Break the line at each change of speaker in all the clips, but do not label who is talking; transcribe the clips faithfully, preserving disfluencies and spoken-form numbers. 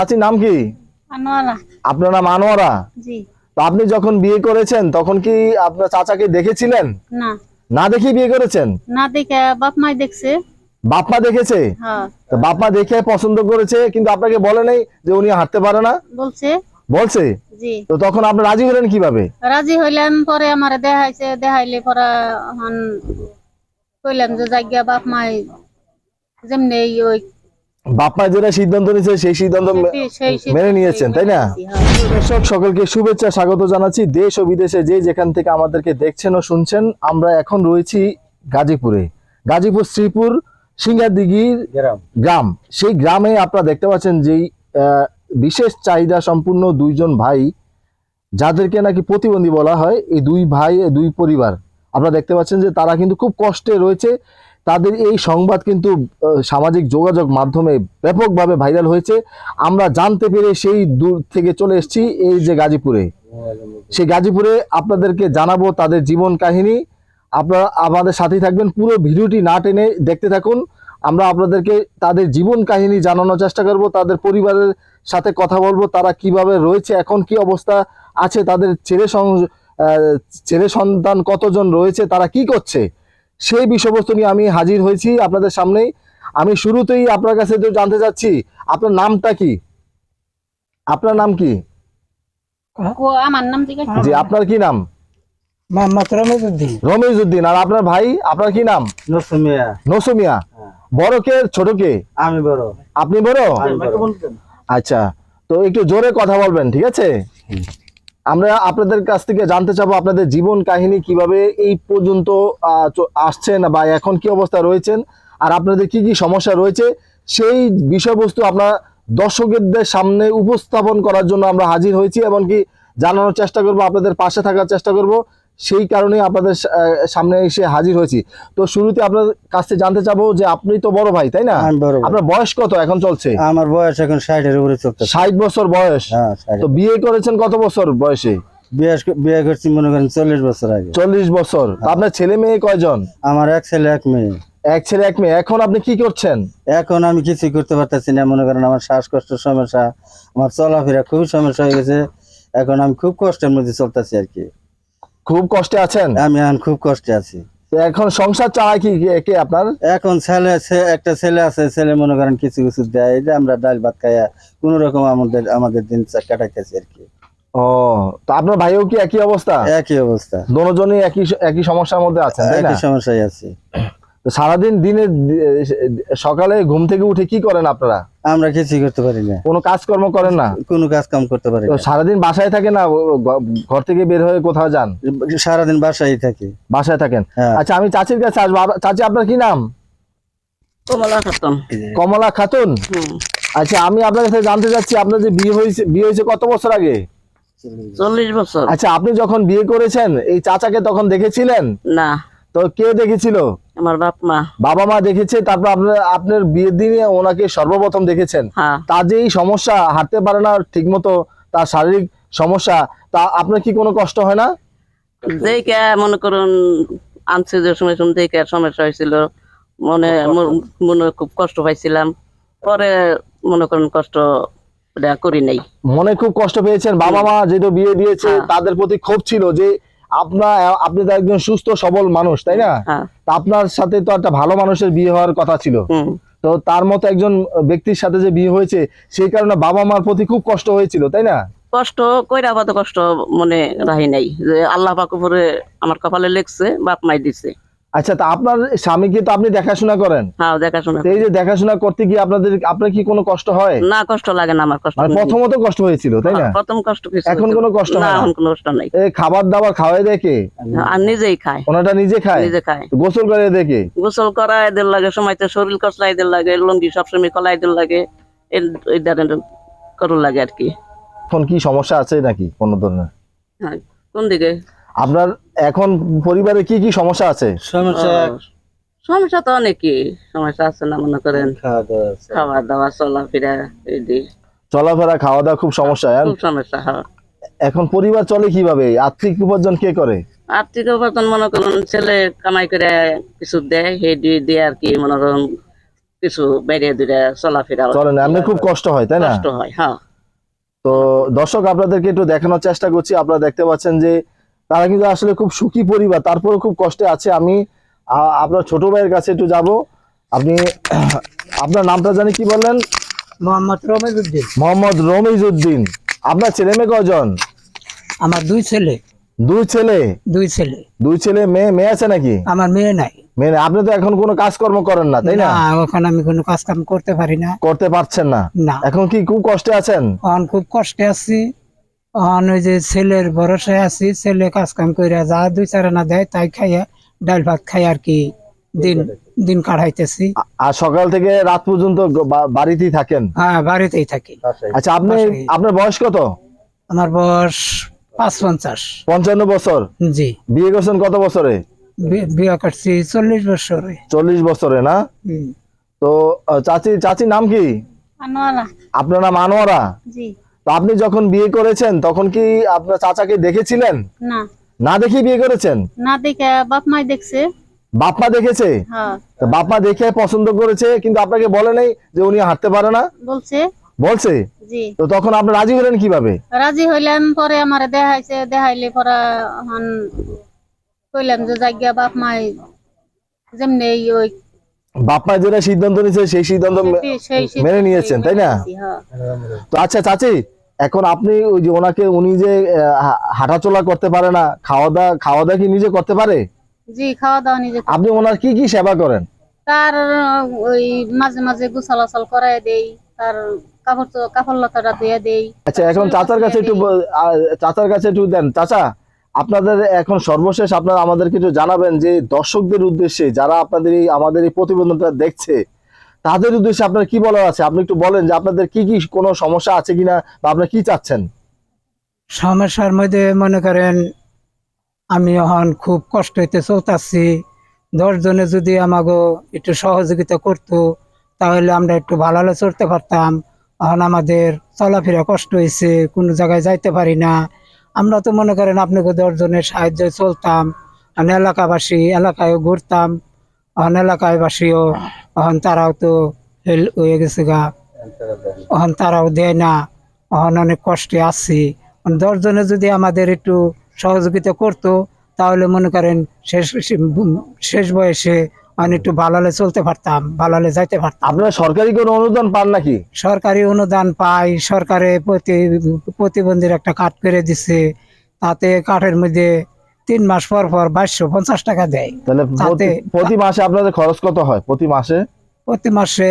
চাচির নাম কি?
আনোয়ারা।
আপনার নাম আনোয়ারা?
জি।
তো আপনি যখন বিয়ে করেছেন তখন কি আপনার চাচাকে দেখেছিলেন?
না।
না দেখে বিয়ে করেছেন?
না দেখে বাপ মাই দেখছে।
বাপ মা দেখেছে?
হ্যাঁ।
তো বাপ মা দেখে পছন্দ করেছে কিন্তু আপনাকে বলে নাই যে উনি হাঁটতে পারে না?
বলছে।
বলছে?
জি।
তো তখন আপনি রাজি হলেন কিভাবে?
রাজি হইলেন পরে আমারে দেখাইছে, দেখাইলে পরে হন কইলাম যে জায়গা বাপ মাই যেমনি ওই
বাপ মা যেটা সিদ্ধান্ত নিয়েছে সেই সিদ্ধান্ত মেনে নিয়েছেন, তাই না? দর্শক সকলকে শুভেচ্ছা স্বাগত জানাচ্ছি। দেশ ও বিদেশে যে যেখান থেকে আমাদেরকে দেখছেন ও শুনছেন, আমরা এখন রয়েছি গাজীপুরে। গাজীপুর শ্রীপুর সিংহাদিঘির গ্রাম। সেই গ্রামে আপনারা দেখতে পাচ্ছেন যেই বিশেষ চাহিদা সম্পূর্ণ দুইজন ভাই, যাদেরকে নাকি প্রতিবন্ধী বলা হয়, এই দুই ভাই দুই পরিবার আপনারা দেখতে পাচ্ছেন যে তারা কিন্তু খুব কষ্টে রয়েছে। তাদের এই সংবাদ কিন্তু সামাজিক যোগাযোগ মাধ্যমে ব্যাপকভাবে ভাইরাল হয়েছে। আমরা জানতে পেরে সেই দূর থেকে চলে এসেছি এই যে গাজীপুরে। সেই গাজীপুরে আপনাদেরকে জানাবো তাদের জীবন কাহিনী। আপনারা আমাদের সাথেই থাকবেন, পুরো ভিডিওটি না টেনে দেখতে থাকুন। আমরা আপনাদেরকে তাদের জীবন কাহিনী জানানোর চেষ্টা করব, তাদের পরিবারের সাথে কথা বলবো, তারা কিভাবে রয়েছে, এখন কি অবস্থা আছে, তাদের ছেলে ছেলে সন্তান কতজন রয়েছে, তারা কি করছে, সেই বিষয়বস্তু নিয়ে আমি হাজির হয়েছি আপনাদের সামনেই। আমি শুরুতেই আপনার কাছে জানতে চাচ্ছি আপনার নামটা কি? আপনার নাম কি?
আমার নাম
জি, আপনার কি নাম?
মোহাম্মদ রমিজউদ্দিন।
রমিজউদ্দিন। আর আপনার ভাই, আপনার কি নাম?
নসুমিয়া।
নসুমিয়া। বড় কে ছোট কে?
আমি বড়।
আপনি বড়? আচ্ছা, তো একটু জোরে কথা বলবেন, ঠিক আছে? আমরা আপনাদের কাছ থেকে জানতে চাবো আপনাদের জীবন কাহিনী, কিভাবে এই পর্যন্ত আসছেন বা এখন কি অবস্থা রয়েছেন, আর আপনাদের কি কি সমস্যা রয়েছে, সেই বিষয়বস্তু আপনার দর্শকদের সামনে উপস্থাপন করার জন্য আমরা হাজির হয়েছি, এমনকি জানানোর চেষ্টা করব, আপনাদের পাশে থাকার চেষ্টা করব। সেই কারণে আপনাদের সামনে এসে হাজির হয়েছি। তো শুরুতে আপনার কাছ থেকে জানতে চাবো যে আপনি তো বড় ভাই, তাই না? আপনার বয়স কত এখন চলছে?
আমার বয়স এখন ষাট এর উপরে চলছে।
ষাট বছর বয়স। তো বিয়ে করেছেন কত বছর বয়সে?
বিয়ে বিয়ে করছি মনে করেন চল্লিশ বছর আগে।
চল্লিশ বছর। আপনার ছেলে মেয়ে কয়জন?
আমার এক ছেলে এক মেয়ে।
এক ছেলে এক মেয়ে। এখন আপনি কি করছেন?
এখন আমি কিছুই করতে পারতেছি না, মনে করেন আমার শ্বাসকষ্টের সমস্যা, আমার চলাফেরা খুবই সমস্যা হয়ে গেছে। এখন আমি খুব কষ্টের মধ্যে চলতেছি আর কি।
খুব কষ্টে আছেন?
আমি এখন খুব কষ্টে আছি।
এখন সংসার চালায় কি কে আপনার?
এখন ছেলে একটা ছেলে আছে, ছেলে মনে করেন কিছু কিছু দেয়, এই যে আমরা ডাল ভাত খাইয়া কোন রকম আমাদের আমাদের দিন কাটাইতেছি আর কি।
ও, তো আপনার ভাইও কি একই অবস্থা?
একই অবস্থা,
দুজনই একই একই সমস্যার মধ্যে আছেন, তাই না?
একই সমস্যায় আছি।
তো সারাদিন দিনে সকালে ঘুম থেকে উঠে কি করেন আপনারা?
আমরা কিছুই করতে পারি না।
কোনো কাজকর্ম করেন না?
কোনো কাজ কাম করতে পারি না।
তো সারাদিন বাসায় থাকে না ঘর থেকে বের হয়ে কোথাও যান?
সারাদিন বাসায় থাকি।
বাসায় থাকেন। আচ্ছা, আমি চাচির কাছে আসবো। চাচি, আপনার কি নাম?
কমলা খাতুন।
কমলা খাতুন। আচ্ছা, আমি আপনার কাছে জানতে চাচ্ছি আপনার যে বিয়ে হয়েছে, বিয়ে হয়েছে কত বছর আগে?
চল্লিশ বছর।
আচ্ছা, আপনি যখন বিয়ে করেছেন এই চাচাকে তখন দেখেছিলেন?
না।
তো কে দেখেছিল?
আমার বাপ মা।
বাবা মা দেখেছে, তারপর আপনার আপনার বিয়ের দিনে ওনাকে সর্বপ্রথম দেখেছেন। তার যে এই সমস্যা, হাঁটতে পারে না ঠিক মতো, তার শারীরিক সমস্যা, তা আপনার কি কোনো কষ্ট হয় না?
দেখে মনে করুন আনছে যে সময় সময় দেখে সমস্যা হয়েছিল, মনে মনে খুব কষ্ট পাইছিলাম। পরে মনে করুন কষ্ট করি নাই।
মনে খুব কষ্ট পেয়েছেন। বাবা মা যেহেতু বিয়ে দিয়েছে তাদের প্রতি ক্ষোভ ছিল যে আপনার আপনি তো একজন সুস্থ সবল মানুষ, তাই না? আপনার সাথে তো একটা ভালো মানুষের বিয়ে হওয়ার কথা ছিল। তো তার মতো একজন ব্যক্তির সাথে যে বিয়ে হয়েছে, সেই কারণে বাবা মার প্রতি খুব কষ্ট হয়েছিল, তাই না?
কষ্ট কইরা বাদ কষ্ট মনে রাহি নাই, যে আল্লাহ পাক উপরে আমার কপালে লেখছে, বাপ মাই দিছে।
আচ্ছা, তা আপনার স্বামীকে তো আপনি দেখাশোনা করেন?
হ্যাঁ, দেখাশোনা।
এই যে দেখাশোনা করতে গিয়ে আপনাদের আপনার কি কোনো কষ্ট হয়?
না, কষ্ট লাগে না আমার। কষ্ট
মানে প্রথমত কষ্ট হয়েছিল, তাই না?
প্রথম কষ্ট কিছু,
এখন কোনো কষ্ট হয় না?
এখন কোনো কষ্ট নাই।
এই খাবার দাবার খাওয়াই দেখে
আর নিজেই খায়?
ওনাটা নিজে খায়?
নিজে খায়।
গোসল করে দেখে?
গোসল করা এদের লাগে, সময়তে শরীর কসলা এদের লাগে, লঙ্গি সবসময় কলা এদের লাগে, এই ধরনের করুন লাগে আর কি।
এখন কি সমস্যা আছে নাকি কোনো ধরনের?
হ্যাঁ, কোন দিকে?
আপনার এখন পরিবারে কি কি সমস্যা আছে?
সমস্যা
সমস্যা তো অনেকই সমস্যা আছে না, মনে করেন খাওয়া দাওয়া, চলাফেরা,
চলাফেরা খাওয়া দাওয়া খুব সমস্যা।
খুব সমস্যা। হ্যাঁ।
এখন পরিবার চলে কিভাবে? আর্থিক উপার্জন কে করে?
আর্থিক উপার্জন মনে করুন ছেলে কামাই করে কিছু দেয়, সেই দিয়ে দিয়ে আর কি মনে করুন কিছু বাইরে দূরে চলাফেরা
চলেন না, এমনি খুব কষ্ট হয় তাই না?
কষ্ট হয়। হ্যাঁ,
তো দর্শক আপনাদেরকে একটু দেখানোর চেষ্টা করছি। আপনারা দেখতে পাচ্ছেন যে তারা কিন্তু আসলে খুব সুখী পরিবার, তারপরে খুব কষ্টে আছে। আমি আ- আপনার ছোট ভাইয়ের কাছে একটু যাব। আপনি আপনার নামটা জানি কি বললেন?
মোহাম্মদ রমেজউদ্দিন।
মোহাম্মদ রমিজউদ্দিন। আপনার ছেলে মেয়ে কয়জন?
আমার দুই ছেলে।
দুই ছেলে?
দুই ছেলে।
দুই ছেলে, মেয়ে মেয়ে আছে নাকি?
আমার মেয়ে নাই।
মেয়ে নেই। আপনি তো এখন কোনো কাজকর্ম করেন না তাই না?
না, এখন আমি কোনো কাজ কাম করতে পারি না।
করতে পারছেন না?
না,
এখন কি খুব কষ্টে আছেন?
এখন খুব কষ্টে আছি। এখন ওই যে ছেলের ভরসায় আছি, ছেলে কাজ কাম করে যা দুই চার আনা দেয় তাই খাইয়া ডাল ভাত খাই আর কি দিন দিন কাটাইতেছি।
আ- আর সকাল থেকে রাত পর্যন্ত গ- বা- বাড়িতেই থাকেন?
হ্যাঁ, বাড়িতেই থাকি।
আচ্ছা, আপনি
বাসায়।
আপনার বয়স কত?
আমার বয়স পাঁচ পঞ্চাশ।
পঞ্চান্ন বছর।
জি,
বিয়ে করছেন কত বছরে?
বি- বিয়ে করছি চল্লিশ বছরে।
চল্লিশ বছরে না?
হুম।
তো আহ, চাচি চাচির নাম কি?
আনোয়ারা।
আপনার নাম আনোয়ারা?
জি।
তো আপনি যখন বিয়ে করেছেন তখন কি আপনার চাচাকে দেখেছিলেন?
না,
না দেখে বিয়ে করেছেন?
না দেখে বাপ মাই দেখছে।
বাপ মা দেখেছে?
হ্যাঁ,
তো বাপ মা দেখে পছন্দ করেছে, কিন্তু আপনাকে বলে নাই যে উনি হাঁটতে পারে না?
বলছে।
বলছে?
জি।
তো তখন আপনি রাজি হলেন কিভাবে?
রাজি হইলাম, পরে আমারে দেখাইছে, দেখাইলে পরে হন কইলাম যে জায়গা বাপ মাই যেমনি ওই
বাপ মা যেটা সিদ্ধান্ত নিয়েছে সেই সিদ্ধান্ত মে-
সেই সেই
মেনে নিয়েছেন তাই না?
হ্যাঁ।
তো আচ্ছা চাচি, এখন আপনি ওই যে ওনাকে, উনি যে আহ, হা- হাঁটাচলা করতে পারে না, খাওয়া দাওয়া খাওয়া দাওয়া কি নিজে করতে পারে?
জি, খাওয়া দাওয়া নিজে করি।
আপনি ওনার কি কি সেবা করেন?
তার ওই মাঝে মাঝে গুছালাছাল করাই দেই, তার কাপড় চো- কাপড় লতাটা ধুয়ে দেই।
আচ্ছা, এখন চাচার কাছে একটু ব- আহ, চাচার কাছে একটু দেন। চাচা, আপনাদের এখন সর্বশেষ আপনারা আমাদেরকে একটু জানাবেন যে দর্শকদের উদ্দেশ্যে, যারা আপনাদের এই আমাদের এই প্রতিবেদনটা দেখছে, তাদের উদ্দেশ্যে আপনার কি বলার আছে? আপনি একটু বলেন যে আপনাদের কি কি কোনো সমস্যা আছে কিনা, বা আপনারা কি চাচ্ছেন?
সমস্যার মধ্যে মনে করেন আমি এখন খুব কষ্ট হইতে চলতেছি। দশ জনে যদি আমাকে একটু সহযোগিতা করতো তাহলে আমরা একটু ভালো ভালো চলতে পারতাম। এখন আমাদের চলাফেরা কষ্ট হয়েছে, কোনো জায়গায় যাইতে পারি না। আমরা তো মনে করেন আপনাকে দশ জনের সাহায্যে চলতাম। এখন এলাকাবাসী এলাকায় ঘুরতাম, এখন এলাকাবাসীও এখন তারাও তো হেল হয়ে গেছে গা, এখন তারাও দেয় না। এখন অনেক কষ্টে আছি। দশ জনে যদি আমাদের একটু সহযোগিতা করতো তাহলে মনে করেন শেষ শেষ বয়সে আমি একটু ভালোলে চলতে পারতাম, ভালোলে যাইতে পারতাম।
আপনারা সরকারি কোনো অনুদান পান নাকি?
সরকারি অনুদান পাই, সরকারে প্রতি প্রতিবন্ধীর একটা কার্ড করে দিছে। তাতে কার্ডের মধ্যে তিন মাস পর পর বাইশশো পঞ্চাশ টাকা দেয়।
তাহলে
তাতে
প্রতি- প্রতি মাসে আপনাদের খরচ কত হয় প্রতি মাসে?
প্রতি মাসে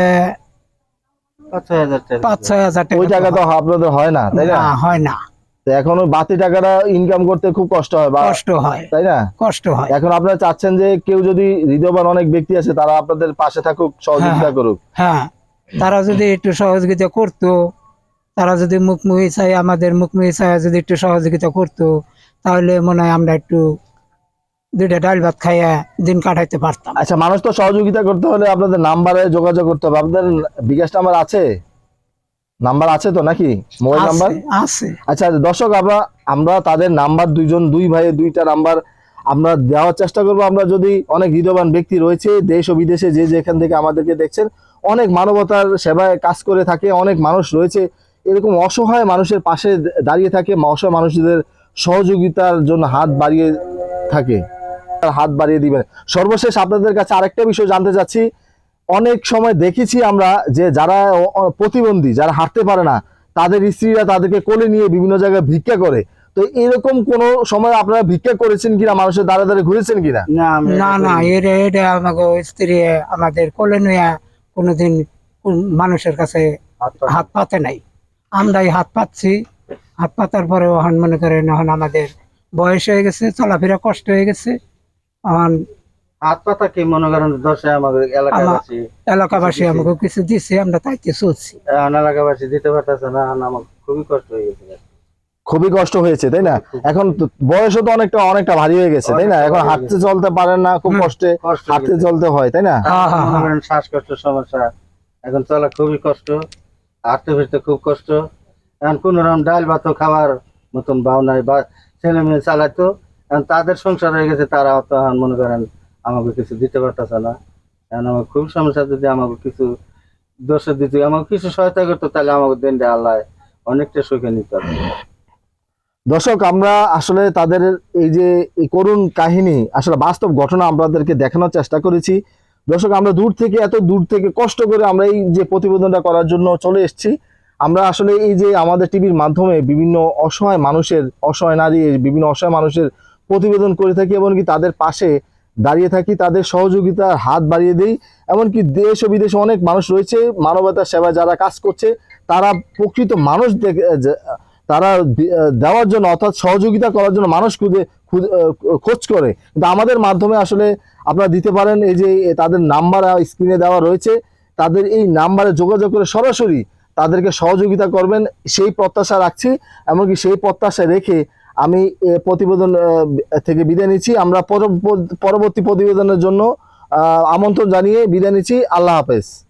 পাঁচ ছয় হাজার টাকা।
পাঁচ ছয় হাজার
ওই
টাকা
টাকা তো আপনাদের হয় না তাই না?
না, হয় না,
তো এখন ওই বাড়তি টাকাটা ইনকাম করতে খুব কষ্ট হয় বা,
কষ্ট হয়,
তাই না?
কষ্ট হয়।
এখন আপনারা চাচ্ছেন যে কেউ যদি হৃদয়বান অনেক ব্যক্তি আছে তারা আপনাদের পাশে থাকুক, সহযোগিতা
হ্যাঁ।
করুক।
হ্যাঁ, তারা যদি একটু সহযোগিতা করতো, তারা যদি মুখমুখি চাই আমাদের মুখমুখি চাই যদি একটু সহযোগিতা করতো তাহলে মনে হয় আমরা একটু দুইটা ডাল ভাত খাইয়া দিন কাটাইতে পারতাম।
আচ্ছা, মানুষ তো সহযোগিতা করতে হলে আপনাদের নাম্বারে যোগাযোগ করতে হবে। আপনাদের বিকাশ নাম্বার আছে? নাম্বার আছে তো নাকি, মোবাইল নাম্বার?
আছে, আছে।
আচ্ছা দর্শক, আমরা আমরা তাদের নাম্বার, দুইজন দুই ভাইয়ের দুইটা নাম্বার আমরা দেওয়ার চেষ্টা করব। আমরা যদি, অনেক হৃদয়বান ব্যক্তি রয়েছে দেশ ও বিদেশে, যে যেখান থেকে আমাদেরকে দেখছেন, অনেক মানবতার সেবায় কাজ করে থাকে, অনেক মানুষ রয়েছে এরকম অসহায় মানুষের পাশে দাঁড়িয়ে থাকে, অসহায় মানুষদের সহযোগিতার জন্য হাত বাড়িয়ে থাকে, হাত বাড়িয়ে দিবেন। সর্বশেষ আপনাদের কাছে আরেকটা বিষয় জানতে চাচ্ছি। অনেক সময় দেখেছি আমরা যে যারা অ- অ- প্রতিবন্ধী, যারা হাঁটতে পারে না, তাদের স্ত্রীরা তাদেরকে কোলে নিয়ে বিভিন্ন জায়গায় ভিক্ষা করে। তো এরকম কোন সময় আপনারা ভিক্ষা করেছেন কিনা, মানুষের দ্বারা দ্বারা ঘুরেছেন কিনা?
না আমরা
না, না, এটা এটা আমাকে স্ত্রী আমাদের কোলে নিয়ে কোনোদিন কোন মানুষের কাছে হাত পাতে নাই। আমরাই হাত পাচ্ছি। হাত পাতার পরে এখন মনে করেন এখন আমাদের বয়স হয়ে গেছে, চলাফেরা কষ্ট হয়ে গেছে। এখন
হাত পাতা কি মনে করেন দশে আমাদের এলাকাবাসী
এলাকাবাসী আমাকে কিছু দিচ্ছে, আমরা তাইতে চলছি।
এখন এলাকাবাসী দিতে পারতেছে না, এখন আমার খুবই কষ্ট হয়ে গেছে।
খুবই কষ্ট হয়েছে তাই না? এখন তো বয়সও তো অনেকটা অনেকটা ভারী হয়ে গেছে তাই না?
অনেকটা
এখন
ভারী হয়ে
হাঁটতে চলতে পারেন না, খুব
হুম,
কষ্টে
কষ্ট হয়ে
হাঁটতে
গেছে।
চলতে হয় তাই না?
হ্যাঁ, হ্যাঁ,
মনে
হ্যাঁ।
করেন শ্বাসকষ্টের সমস্যা, এখন চলা খুবই কষ্ট, হাঁটতে ফিরতে খুব কষ্ট। এখন কোন রকম ডাল ভাত খাওয়ার মতন ভাও নাই, বা ছেলে মেয়ে চালাইতো, এখন তাদের সংসার হয়ে গেছে, তারা তো এখন মনে করেন আমাকে কিছু দিতে পারতেছে না। এখন আমার খুব সমস্যা, যদি আমাকে কিছু দোষে দিত, আমাকে কিছু সহায়তা করতো, তাহলে আমাকে দেনটা আল্লাহ অনেকটা সুখে নিতে পারতো।
দর্শক, আমরা আসলে তাদের এই যে এই করুণ কাহিনী, আসলে বাস্তব ঘটনা আপনাদেরকে দেখানোর চেষ্টা করেছি। দর্শক, আমরা দূর থেকে, এত দূর থেকে কষ্ট করে আমরা এই যে প্রতিবেদনটা করার জন্য চলে এসেছি। আমরা আসলে এই যে আমাদের টিভির মাধ্যমে বিভিন্ন অসহায় মানুষের, অসহায় নারী, বিভিন্ন অসহায় মানুষের প্রতিবেদন করে থাকি, এমনকি তাদের পাশে দাঁড়িয়ে থাকি, তাদের সহযোগিতার হাত বাড়িয়ে দিই। এমনকি দেশ ও বিদেশে অনেক মানুষ রয়েছে মানবতার সেবায় যারা কাজ করছে, তারা প্রকৃত মানুষ দেখে তারা দেওয়ার জন্য, অর্থাৎ সহযোগিতা করার জন্য মানুষ খুঁজে খোঁজ করে। কিন্তু আমাদের মাধ্যমে আসলে আপনারা দিতে পারেন। এই যে তাদের নাম্বার স্ক্রিনে দেওয়া রয়েছে, তাদের এই নাম্বারে যোগাযোগ করে সরাসরি তাদেরকে সহযোগিতা করবেন, সেই প্রত্যাশা রাখছি। এমনকি সেই প্রত্যাশা রেখে আমি প্রতিবেদন থেকে বিদায় নিচ্ছি। আমরা পরবর্তী প্রতিবেদনের জন্য আমন্ত্রণ জানিয়ে বিদায় নিচ্ছি। আল্লাহ হাফেজ।